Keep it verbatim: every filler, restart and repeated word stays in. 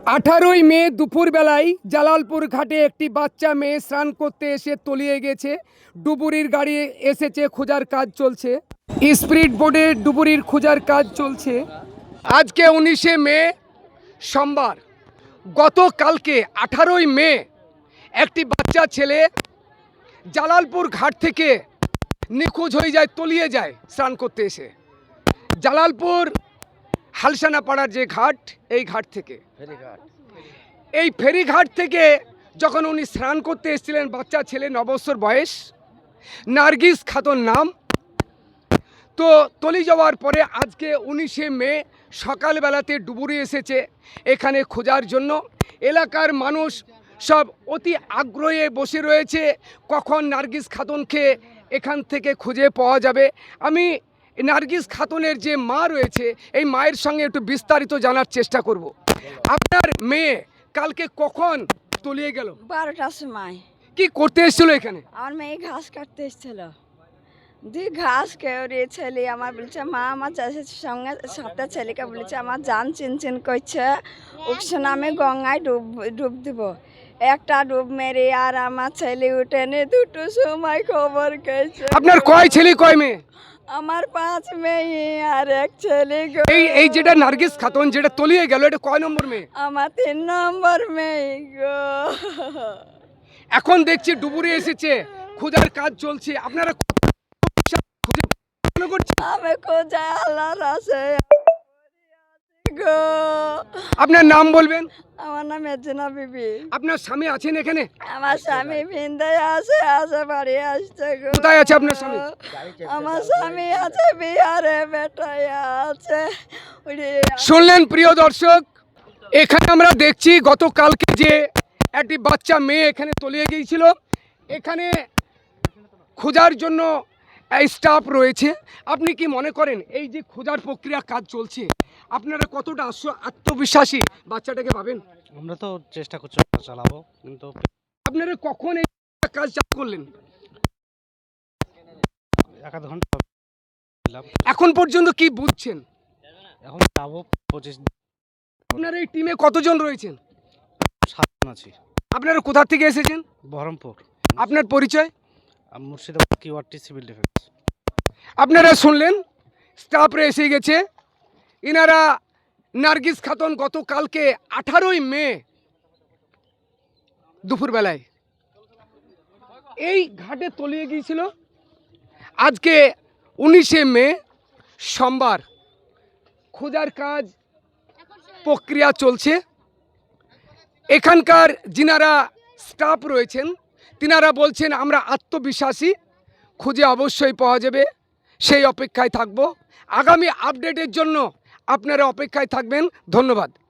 আঠারোই মে দুপুরবেলায় জালালপুর ঘাটে একটি বাচ্চা মেয়ে স্নান করতে এসে তলিয়ে গেছে। ডুবুরির গাড়ি এসেছে, খোঁজার কাজ চলছে। স্পিড বোটে ডুবুরির খোঁজার কাজ চলছে। আজকে উনিশে মে সোমবার। গতকালকে আঠারোই মে একটি বাচ্চা ছেলে জালালপুর ঘাট থেকে নিখোঁজ হয়ে যায়, তলিয়ে যায় স্নান করতে এসে। জালালপুর হালসানা পাড়ার যে ঘাট, এই ঘাট থেকে এই ফেরিঘাট থেকে যখন উনি স্নান করতে এসেছিলেন, বাচ্চা ছেলে, ন বছর বয়স, নার্গিস খাতুন নাম। তো তলি যাওয়ার পরে আজকে উনিশে মে সকালবেলাতে ডুবুরি এসেছে এখানে খোঁজার জন্য। এলাকার মানুষ সব অতি আগ্রহে বসে রয়েছে কখন নার্গিস খাতুনকে এখান থেকে খুঁজে পাওয়া যাবে। আমি নার্গিস খাতুনের যে মা রয়েছে, এই মায়ের সঙ্গে একটু বিস্তারিত জানার চেষ্টা করব। আপনার মেয়ে কালকে কখন তলিয়ে গেল? বারোটার সময়। কি করতে এসেছিল এখানে? আমার মেয়ে ঘাস কাটতে এসেছিল। দুই ঘাস কেউরে ছেলে আমার বলছে, মা আমার চাষের সঙ্গে সবটা ছেলেকে বলেছে আমার জান চিনচিন করছে, ওকে আমি গঙ্গায় ডুব ডুব দিব। একটা ডুব মেরে আর আমার ছেলে উঠে নে দুটো সময় খবর গেছে। আপনার কয় ছেলে কয় মেয়ে? আমার পাঁচ মেয়ে আর এক ছেলে। এই এই যেটা নার্গিস খাতুন যেটা তলিয়ে গেল, এটা কয় নম্বর মেয়ে? আমার তিন নম্বর মেয়ে গো। এখন দেখছি ডুবুরি এসেছে, খোঁজার কাজ চলছে। আপনারা খুঁজে মনে করছেন? আমি খোঁজায় আল্লাহর আছে গো। আপনার নাম বলবেন? আমার নাম মেজনা বিবি। আপনার স্বামী আছেন এখানে? আমার স্বামী ভিন্দায় আছে, আছে বাড়ি আসছে গো। কোথায় আছে আপনার স্বামী? আমার স্বামী আছে বিহারে, বেটায় আছে। শুনলেন প্রিয় দর্শক, এখানে আমরা দেখছি গতকালকে যে একটি বাচ্চা মেয়ে এখানে তলিয়ে গিয়েছিল। এখানে খোঁজার জন্য স্টাফ রয়েছে। আপনি কি মনে করেন এই যে খোঁজার প্রক্রিয়া কাজ চলছে, আপনারা কতটা আত্মবিশ্বাসী বাচ্চাটাকে পাবেন? আমরা তো চেষ্টা করছি চালাবো, কিন্তু আপনারা কখন এই কাজ চালু করলেন? এক আধ ঘন্টা। এখন পর্যন্ত কি বুঝছেন? এখন যাবো পঁচিশ। আপনার এই টিমে কতজন রয়েছেন? সাতজন আছি। আপনারা কোথা থেকে এসেছেন? বহরমপুর। আপনার পরিচয়? Murshidabad QRT civil defence. আপনারা শুনলেন, স্টাফরা এসে গেছে। ইনারা নার্গিস খাতুন গতকালকে আঠারোই মে দুপুরবেলায় এই ঘাটে তলিয়ে গিয়েছিল। আজকে উনিশে মে সোমবার খোঁজার কাজ প্রক্রিয়া চলছে। এখানকার যিনারা স্টাফ রয়েছেন তিনারা বলছেন আমরা আত্মবিশ্বাসী, খুঁজে অবশ্যই পাওয়া যাবে, সেই অপেক্ষায় থাকব। আগামী আপডেটের জন্য আপনারা অপেক্ষায় থাকবেন। ধন্যবাদ।